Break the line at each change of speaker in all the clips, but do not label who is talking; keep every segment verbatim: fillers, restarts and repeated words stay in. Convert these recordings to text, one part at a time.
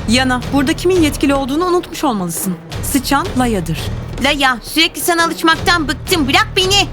Yana, burada kimin yetkili olduğunu unutmuş olmalısın. Sıçan Laya'dır.
Laya, sürekli sana alışmaktan bıktım. Bırak beni.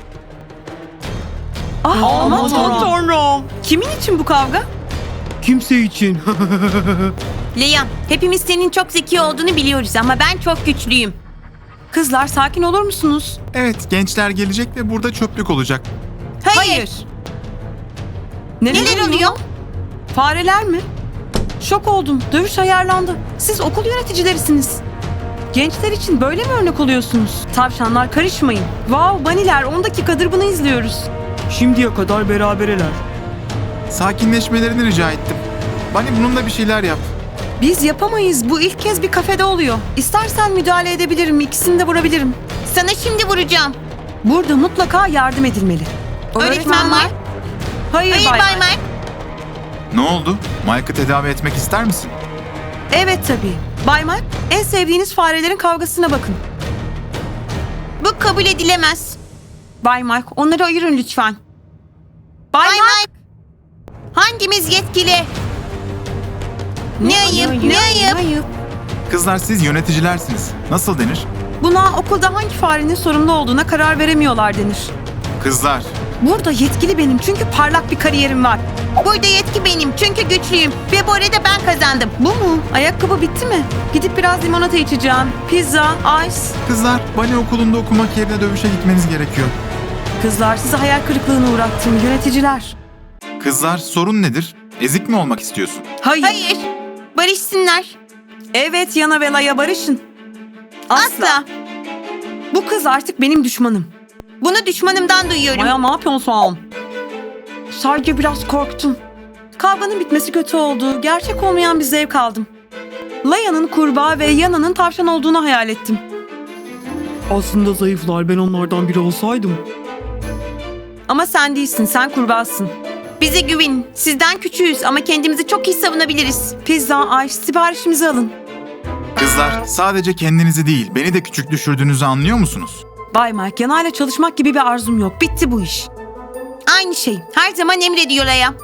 Ah, aman
tanrım.
tanrım. Kimin için bu kavga?
Kimse için.
Laya, hepimiz senin çok zeki olduğunu biliyoruz ama ben çok güçlüyüm.
Kızlar sakin olur musunuz?
Evet, gençler gelecek ve burada çöplük olacak.
Hayır. Neler oluyor?
Fareler mi? Şok oldum. Dövüş ayarlandı. Siz okul yöneticilerisiniz. Gençler için böyle mi örnek oluyorsunuz? Tavşanlar karışmayın. Wow, baniler on dakikadır bunu izliyoruz.
Şimdiye kadar berabereler.
Sakinleşmelerini rica ettim. Bani bununla bir şeyler yap.
Biz yapamayız. Bu ilk kez bir kafede oluyor. İstersen müdahale edebilirim. İkisini de vurabilirim.
Sana şimdi vuracağım.
Burada mutlaka yardım edilmeli.
Öğretmen var.
Hayır,
Hayır
Bay
Bay
Mike.
Mike.
Ne oldu? Mike'ı tedavi etmek ister misin?
Evet tabii. Bay Mike, en sevdiğiniz farelerin kavgasına bakın.
Bu kabul edilemez.
Bay Mike, onları ayırın lütfen. Bay,
Bay
Mike.
Mike. Hangimiz yetkili? Ne ayıp, ne ayıp.
Kızlar siz yöneticilersiniz. Nasıl denir?
Buna okulda hangi farenin sorumlu olduğuna karar veremiyorlar denir.
Kızlar.
Burada yetkili benim çünkü parlak bir kariyerim var.
Burada yetki benim çünkü güçlüyüm. Ve bu arada ben kazandım.
Bu mu? Ayakkabı bitti mi? Gidip biraz limonata içeceğim. Pizza, ice.
Kızlar, Bani okulunda okumak yerine dövüşe gitmeniz gerekiyor.
Kızlar sizi hayal kırıklığına uğrattım yöneticiler.
Kızlar, sorun nedir? Ezik mi olmak istiyorsun?
Hayır.
Hayır. Barışsınlar.
Evet, Yana ve Laya barışın.
Asla.
Bu kız artık benim düşmanım.
Bunu düşmanımdan duyuyorum.
Maya ne yapıyorsun? Sadece biraz korktum. Kavganın bitmesi kötü oldu. Gerçek olmayan bir zevk aldım. Laya'nın kurbağa ve Yana'nın tavşan olduğunu hayal ettim.
Aslında zayıflar, ben onlardan biri olsaydım.
Ama sen değilsin, sen kurbağasın.
Bize güvenin. Sizden küçüğüz ama kendimizi çok iyi savunabiliriz.
Pizza, ice, siparişimizi alın.
Kızlar, sadece kendinizi değil, beni de küçük düşürdüğünüzü anlıyor musunuz?
Bay Mike, Yana'yla çalışmak gibi bir arzum yok. Bitti bu iş.
Aynı şey. Her zaman emrediyor Laya.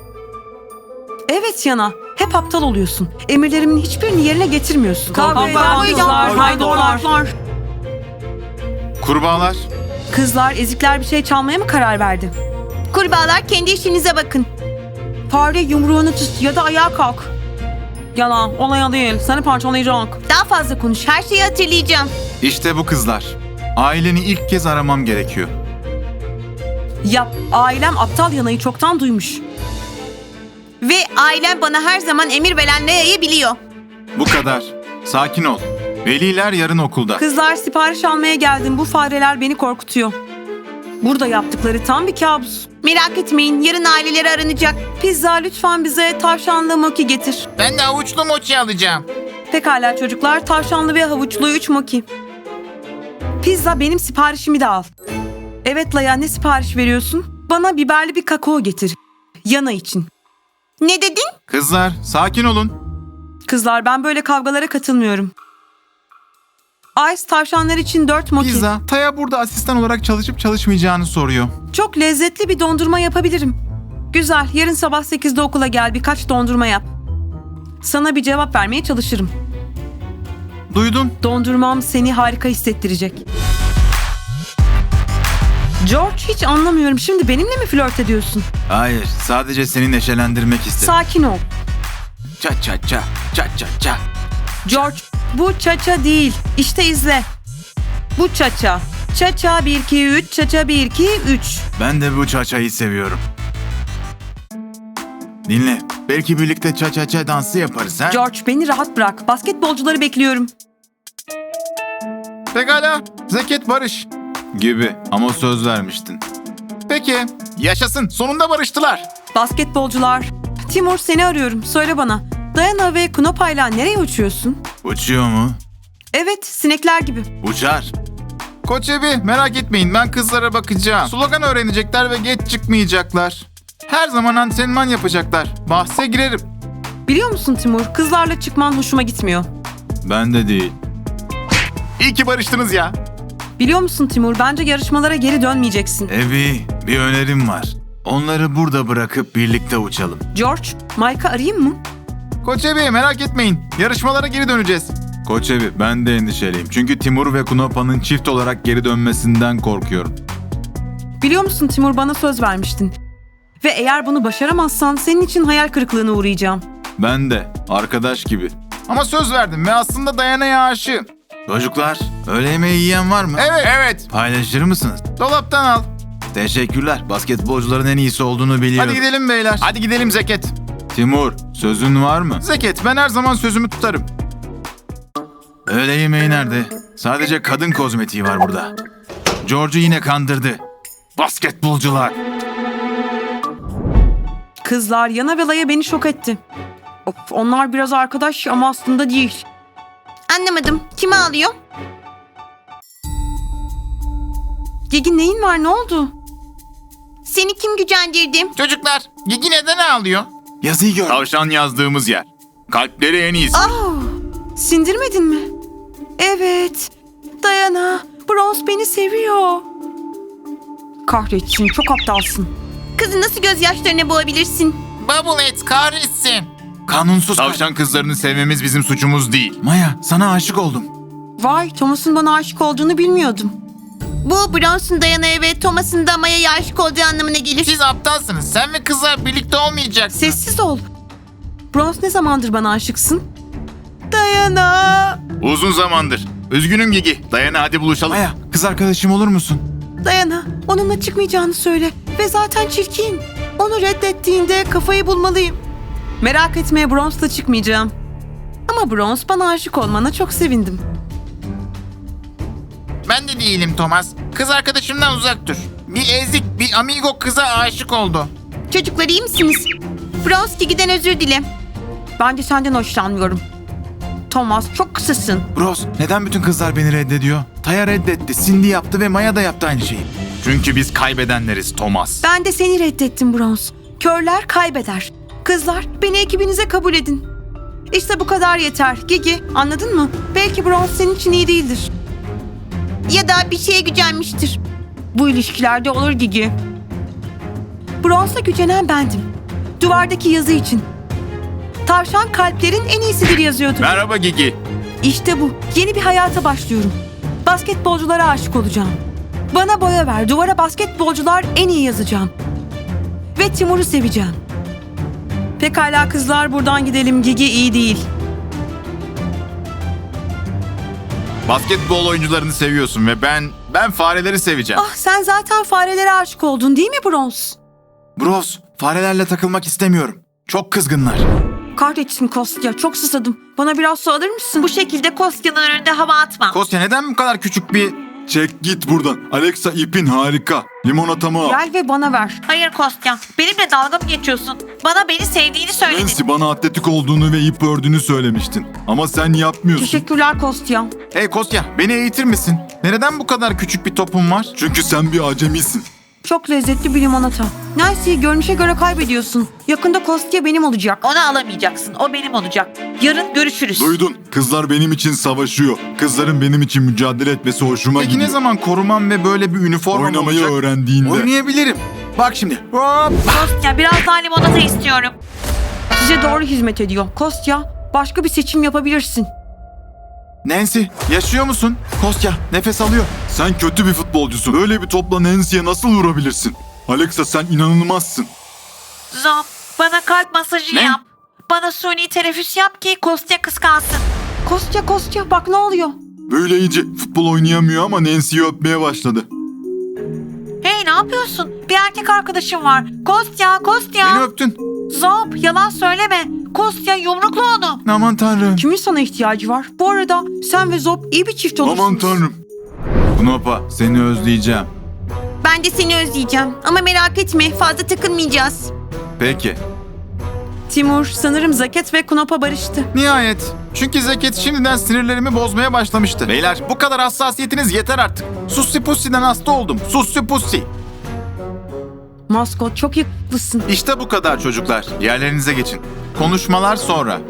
Evet Yana, hep aptal oluyorsun. Emirlerimin hiçbirini yerine getirmiyorsun.
Kavga eden
kızlar, haydutlar.
Kurbağalar.
Kızlar, ezikler bir şey çalmaya mı karar verdi?
Kurbağalar kendi işinize bakın.
Fare yumruğunu tut ya da ayağa kalk. Yana, olaya değil. Seni parçalayacak.
Daha fazla konuş. Her şeyi hatırlayacağım.
İşte bu kızlar. Aileni ilk kez aramam gerekiyor.
Yap, ailem aptal Yana'yı çoktan duymuş.
Ve ailem bana her zaman emir veren Laya'yı biliyor.
Bu kadar. Sakin ol. Veliler yarın okulda.
Kızlar, sipariş almaya geldim. Bu fareler beni korkutuyor. Burada yaptıkları tam bir kabus.
Merak etmeyin. Yarın aileleri aranacak.
Pizza, lütfen bize tavşanlı moki getir.
Ben de avuçlu mochi alacağım.
Pekala çocuklar, tavşanlı ve havuçlu üç moki. Pizza, benim siparişimi de al. Evet Laya, ne sipariş veriyorsun? Bana biberli bir kakao getir. Yana için.
Ne dedin?
Kızlar, sakin olun.
Kızlar, ben böyle kavgalara katılmıyorum. Ice, tavşanlar için dört moki.
Pizza, Taya burada asistan olarak çalışıp çalışmayacağını soruyor.
Çok lezzetli bir dondurma yapabilirim. Güzel, yarın sabah sekizde okula gel, birkaç dondurma yap. Sana bir cevap vermeye çalışırım.
Duydun?
Dondurmam seni harika hissettirecek. George, hiç anlamıyorum. Şimdi benimle mi flört ediyorsun?
Hayır, sadece seni neşelendirmek istedim.
Sakin ol.
Ça ça ça, ça ça ça.
George, bu çaça değil. İşte izle. Bu çaça. Çaça bir iki üç, çaça bir iki üç.
Ben de bu çaçayı seviyorum. Dinle, belki birlikte ça ça ça dansı yaparız ha?
George, beni rahat bırak. Basketbolcuları bekliyorum.
Pekala, Zeket barış. Gibi ama söz vermiştin. Peki, yaşasın, sonunda barıştılar.
Basketbolcular. Timur, seni arıyorum. Söyle bana. Dayana ve Knopa'yla nereye uçuyorsun?
Uçuyor mu?
Evet, sinekler gibi.
Uçar. Koç Ebi, merak etmeyin, ben kızlara bakacağım. Slogan öğrenecekler ve geç çıkmayacaklar. Her zaman antrenman yapacaklar. Bahse girerim.
Biliyor musun Timur, kızlarla çıkman hoşuma gitmiyor.
Ben de değil. İyi ki barıştınız ya.
Biliyor musun Timur, bence yarışmalara geri dönmeyeceksin.
Ebi, bir önerim var. Onları burada bırakıp birlikte uçalım.
George, Mike'ı arayayım mı?
Koç Ebi merak etmeyin. Yarışmalara geri döneceğiz. Koç Ebi ben de endişeliyim. Çünkü Timur ve Kunapa'nın çift olarak geri dönmesinden korkuyorum.
Biliyor musun Timur, bana söz vermiştin. Ve eğer bunu başaramazsan senin için hayal kırıklığına uğrayacağım.
Ben de arkadaş gibi. Ama söz verdim ve aslında Dayana'ya aşığım. Çocuklar, öğle yemeği yiyen var mı? Evet. Evet. Paylaşır mısınız? Dolaptan al. Teşekkürler. Basketbolcuların en iyisi olduğunu biliyorum. Hadi gidelim beyler. Hadi gidelim Zeket. Timur, sözün var mı? Zeket, ben her zaman sözümü tutarım. Öğle yemeği nerede? Sadece kadın kozmetiği var burada. George'u yine kandırdı. Basketbolcular.
Kızlar, Yana ve Laya beni şok etti. Of, onlar biraz arkadaş ama aslında değil.
Anlamadım. Kimi alıyor?
Gigi, neyin var, ne oldu?
Seni kim gücendirdi?
Çocuklar, Gigi neden ağlıyor?
Yazıyı gör. Tavşan yazdığımız yer. Kalpleri en iyisi.
Oh, sindirmedin mi? Evet. Dayana, Bronze beni seviyor. Kahretsin, çok aptalsın.
Kızı nasıl gözyaşlarına boğabilirsin?
Bubblehead kahretsin.
Kanunsuz. Tavşan kızlarını sevmemiz bizim suçumuz değil. Maya, sana aşık oldum.
Vay, Thomas'ın bana aşık olduğunu bilmiyordum.
Bu Bronson Dayana'ya ve Thomas'ın da Maya'ya aşık olduğu anlamına gelir.
Siz aptalsınız. Sen ve kızlar birlikte olmayacaksınız.
Sessiz ol. Bronze, ne zamandır bana aşıksın? Dayana.
Uzun zamandır. Üzgünüm Gigi. Dayana hadi buluşalım. Maya, kız arkadaşım olur musun?
Dayana, onunla çıkmayacağını söyle. Ve zaten çirkin. Onu reddettiğinde kafayı bulmalıyım. Merak etme, Bronze'la çıkmayacağım. Ama Bronze, bana aşık olmana çok sevindim.
Ben de değilim Thomas. Kız arkadaşımdan uzak dur. Bir ezik, bir amigo kıza aşık oldu.
Çocuklar iyi misiniz? Bronze Gigi'den özür dile.
Ben de senden hoşlanmıyorum. Thomas, çok kısasın.
Bros, neden bütün kızlar beni reddediyor? Taya reddetti, Cindy yaptı ve Maya da yaptı aynı şeyi. Çünkü biz kaybedenleriz Thomas.
Ben de seni reddettim Bronze. Körler kaybeder. Kızlar, beni ekibinize kabul edin. İşte bu kadar yeter. Gigi, anladın mı? Belki Bronze senin için iyi değildir.
Ya da bir şeye gücenmiştir.
Bu ilişkilerde olur Gigi. Bronze'a gücenen bendim. Duvardaki yazı için. Tavşan kalplerin en iyisidir yazıyordu.
Merhaba Gigi.
İşte bu. Yeni bir hayata başlıyorum. Basketbolculara aşık olacağım. Bana boya ver. Duvara basketbolcular en iyi yazacağım. Ve Timur'u seveceğim. Pekala kızlar, buradan gidelim. Gigi iyi değil.
Basketbol oyuncularını seviyorsun ve ben, ben fareleri seveceğim.
Ah, sen zaten farelere aşık oldun değil mi Bronze?
Bros, farelerle takılmak istemiyorum. Çok kızgınlar.
Kahretsin Kostya, çok susadım. Bana biraz su alır mısın?
Bu şekilde Kostya'nın önünde hava atma.
Kostya neden bu kadar küçük bir... Çek git buradan. Alexa ipin harika. Limonatamı al.
Gel ve bana ver.
Hayır Kostya. Benimle dalga mı geçiyorsun? Bana beni sevdiğini söyledin.
Nancy bana atletik olduğunu ve ip ördüğünü söylemiştin. Ama sen yapmıyorsun.
Teşekkürler Kostya.
Hey Kostya, beni eğitir misin? Neden bu kadar küçük bir topun var?
Çünkü sen bir acemisin.
Çok lezzetli bir limonata. Nancy, görünüşe göre kaybediyorsun. Yakında Kostya benim olacak.
Onu alamayacaksın. O benim olacak. Yarın görüşürüz.
Duydun. Kızlar benim için savaşıyor. Kızların benim için mücadele etmesi hoşuma
Peki
gidiyor.
ne zaman korumam ve böyle bir üniformam
Oynamayı
olacak?
öğrendiğinde.
Oynayabilirim. Bak şimdi. Hop.
Kostya biraz daha limonata istiyorum.
Size doğru hizmet ediyor. Kostya, başka bir seçim yapabilirsin.
Nancy, yaşıyor musun? Kostya, nefes alıyor.
Sen kötü bir futbolcusun. Böyle bir topla Nancy'ye nasıl vurabilirsin? Alexa sen inanılmazsın.
Zop, bana kalp masajı
Ne?
yap. Bana suni teneffüs yap ki Kostya kıskansın.
Kostya, Kostya, bak ne oluyor?
Böyle iyice futbol oynayamıyor ama Nancy'yi öpmeye başladı.
Hey ne yapıyorsun? Bir erkek arkadaşım var. Kostya, Kostya.
Beni öptün.
Zop, yalan söyleme. Kostya yumrukla onu.
Aman tanrım.
Kimin sana ihtiyacı var? Bu arada sen ve Zop iyi bir çift olursunuz.
Aman tanrım.
Knopa, seni özleyeceğim.
Ben de seni özleyeceğim. Ama merak etme fazla takılmayacağız.
Peki.
Timur, sanırım Zaket ve Knopa barıştı.
Nihayet. Çünkü Zeket şimdiden sinirlerimi bozmaya başlamıştı. Beyler, bu kadar hassasiyetiniz yeter artık. Sussi Pussi'den hasta oldum. Sussi Pussi.
Maskot, çok yakışıklısın.
İşte bu kadar çocuklar. Yerlerinize geçin. Konuşmalar sonra.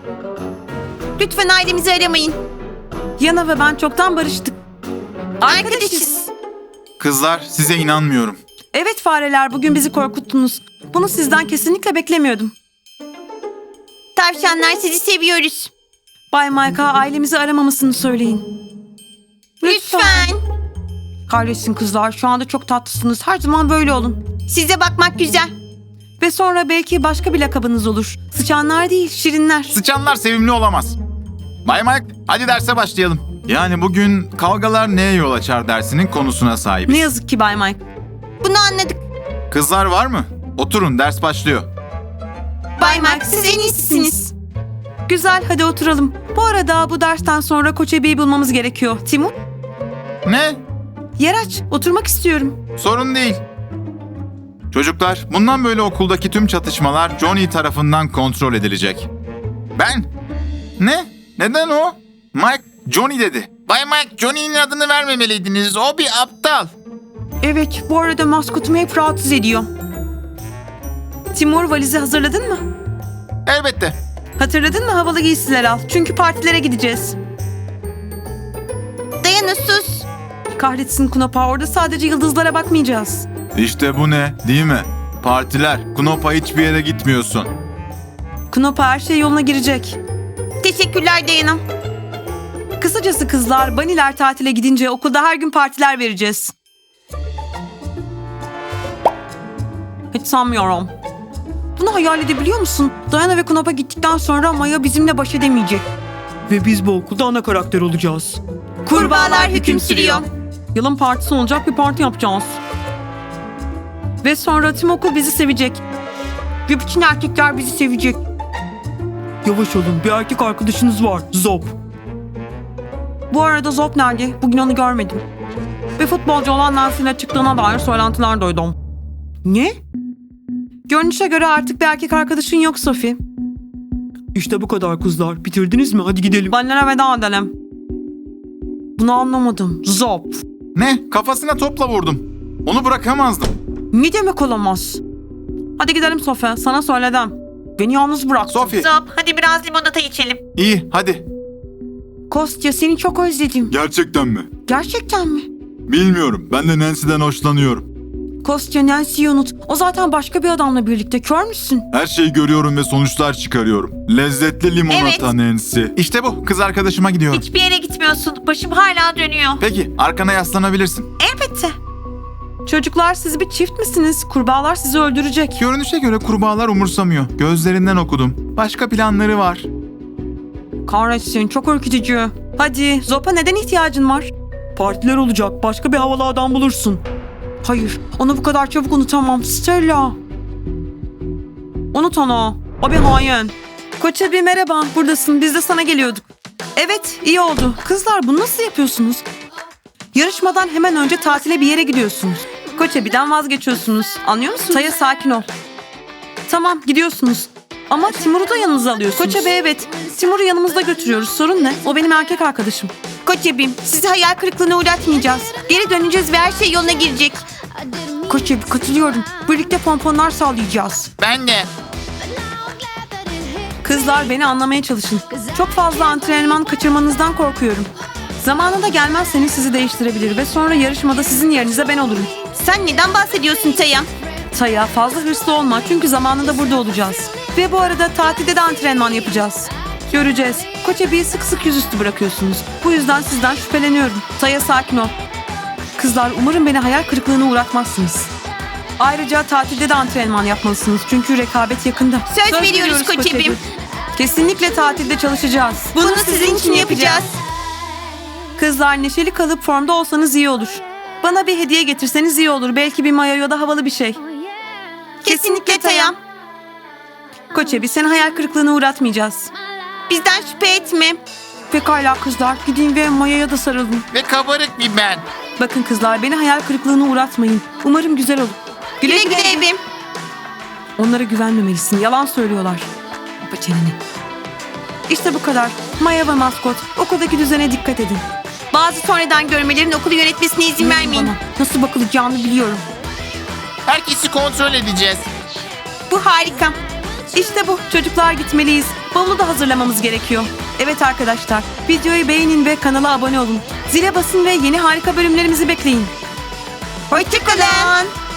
Lütfen ailemizi aramayın.
Yana ve ben çoktan barıştık.
Arkadaşız.
Kızlar, size inanmıyorum.
Evet fareler, bugün bizi korkuttunuz. Bunu sizden kesinlikle beklemiyordum.
Tavşanlar sizi seviyoruz.
Bay Mike'a ailemizi aramamasını söyleyin.
Lütfen.
Kahretsin kızlar, şu anda çok tatlısınız. Her zaman böyle olun.
Size bakmak güzel.
Ve sonra belki başka bir lakabınız olur. Sıçanlar değil, şirinler.
Sıçanlar sevimli olamaz. Bay Mike, hadi derse başlayalım. Yani bugün kavgalar neye yol açar dersinin konusuna sahibiz.
Ne yazık ki Bay Mike.
Bunu anladık.
Kızlar var mı? Oturun, ders başlıyor.
Bay Mark siz en iyisiniz.
Güzel, hadi oturalım. Bu arada bu dersten sonra Koç Ebi'yi bulmamız gerekiyor. Timur,
Ne?
yer aç. Oturmak istiyorum.
Sorun değil. Çocuklar, bundan böyle okuldaki tüm çatışmalar Johnny tarafından kontrol edilecek. Ben? Ne? Neden o? Mike, Johnny dedi.
Bay Mike, Johnny'nin adını vermemeliydiniz. O bir aptal.
Evet, bu arada maskotumu hep rahatsız ediyor. Timur, valizi hazırladın mı?
Elbette.
Hatırladın mı, havalı giysiler al. Çünkü partilere gideceğiz.
Dayana sus.
Kahretsin Kunapa, orada sadece yıldızlara bakmayacağız.
İşte bu ne, değil mi? Partiler, Knopa hiçbir yere gitmiyorsun.
Kunapa, her şey yoluna girecek.
Teşekkürler Dayana.
Kısacası kızlar, Baniler tatile gidince okulda her gün partiler vereceğiz. Hiç sanmıyorum. Bunu hayal edebiliyor musun? Diana ve Kunapa gittikten sonra Maya bizimle baş edemeyecek.
Ve biz bu okulda ana karakter olacağız.
Kurbağalar hüküm sürüyor.
Yılın partisi olacak, bir parti yapacağız. Ve sonra tüm okul bizi sevecek. Ve bütün erkekler bizi sevecek.
Yavaş olun, bir erkek arkadaşınız var. Zop.
Bu arada Zop nerede? Bugün onu görmedim. Ve futbolcu olan Nancy'nin çıktığına dair söylentiler duydum. Ne? Görünüşe göre artık bir erkek arkadaşın yok Sophie.
İşte bu kadar kızlar. Bitirdiniz mi? Hadi gidelim.
Benlere veda edelim. Bunu anlamadım. Zop.
Ne? Kafasına topla vurdum. Onu bırakamazdım.
Ne demek olamaz? Hadi gidelim Sophie. Sana söyledim. Beni yalnız bırak.
Sophie,
Zop hadi biraz limonata içelim.
iyi, hadi.
Kostya, seni çok özledim.
Gerçekten mi?
Gerçekten mi?
Bilmiyorum. Ben de Nancy'den hoşlanıyorum.
Kostya, Nancy'yi unut. O zaten başka bir adamla birlikte. Kör müsün?
Her şeyi görüyorum ve sonuçlar çıkarıyorum. Lezzetli limonata
Evet.
Nancy.
İşte bu, kız arkadaşıma gidiyorum.
Hiçbir yere gitmiyorsun. Başım hala dönüyor.
Peki, arkana yaslanabilirsin.
Elbette.
Çocuklar, siz bir çift misiniz? Kurbağalar sizi öldürecek.
Görünüşe göre kurbağalar umursamıyor. Gözlerinden okudum. Başka planları var.
Kahretsin, çok ürkütücü. Hadi, Zop'a neden ihtiyacın var?
Partiler olacak. Başka bir havalı adam bulursun.
Hayır, onu bu kadar çabuk unutamam. Stella. Unut onu. O bir hain. Koç abi merhaba, buradasın. Biz de sana geliyorduk. Evet, iyi oldu. Kızlar, bunu nasıl yapıyorsunuz? Yarışmadan hemen önce tatile bir yere gidiyorsunuz. Koç abi'den vazgeçiyorsunuz. Anlıyor musunuz? Taya, sakin ol. Tamam, gidiyorsunuz. Ama Timur'u da yanınıza alıyorsunuz. Koç abi evet. Timur'u yanımızda götürüyoruz. Sorun ne? O benim erkek arkadaşım.
Koç abim sizi hayal kırıklığına uğratmayacağız. Geri döneceğiz ve her şey yoluna girecek.
Koç abi katılıyorum. Birlikte pomponlar sallayacağız.
Ben de.
Kızlar, beni anlamaya çalışın. Çok fazla antrenman kaçırmanızdan korkuyorum. Zamanında gelmezseniz sizi değiştirebilir ve sonra yarışmada sizin yerinize ben olurum.
Sen neden bahsediyorsun Taya?
Taya, fazla hırslı olma çünkü zamanında burada olacağız. Ve bu arada tatilde de antrenman yapacağız. Göreceğiz. Koç abiyi sık sık yüzüstü bırakıyorsunuz. Bu yüzden sizden şüpheleniyorum. Taya, sakin ol. Kızlar, umarım beni hayal kırıklığına uğratmazsınız. Ayrıca tatilde de antrenman yapmalısınız çünkü rekabet yakında.
Söz veriyoruz Koç
Koç
abim.
abi. Kesinlikle tatilde çalışacağız.
Bunu sizin için yapacağız.
Kızlar, neşeli kalıp formda olsanız iyi olur. Bana bir hediye getirseniz iyi olur. Belki bir mayo ya da havalı bir şey.
Kesinlikle Taya.
Koç abi, seni hayal kırıklığına uğratmayacağız.
Bizden şüphe etme.
Pekala kızlar, gidin ve mayoya da sarılın.
Ve kabarık bir ben.
Bakın kızlar, beni hayal kırıklığına uğratmayın. Umarım güzel olur.
Güle güle evim.
Onlara güvenmemelisin. Yalan söylüyorlar. Kapa çeneni. İşte bu kadar. Maya ve maskot, okuldaki düzene dikkat edin.
Bazı sonradan görmelerin okulu yönetmesine izin
İnanın
vermeyin.
bana. Nasıl bakılacağını biliyorum.
Herkesi kontrol edeceğiz.
Bu harika.
İşte bu. Çocuklar, gitmeliyiz. Bavulu da hazırlamamız gerekiyor. Evet arkadaşlar, videoyu beğenin ve kanala abone olun. Zile basın ve yeni harika bölümlerimizi bekleyin.
Hoşçakalın.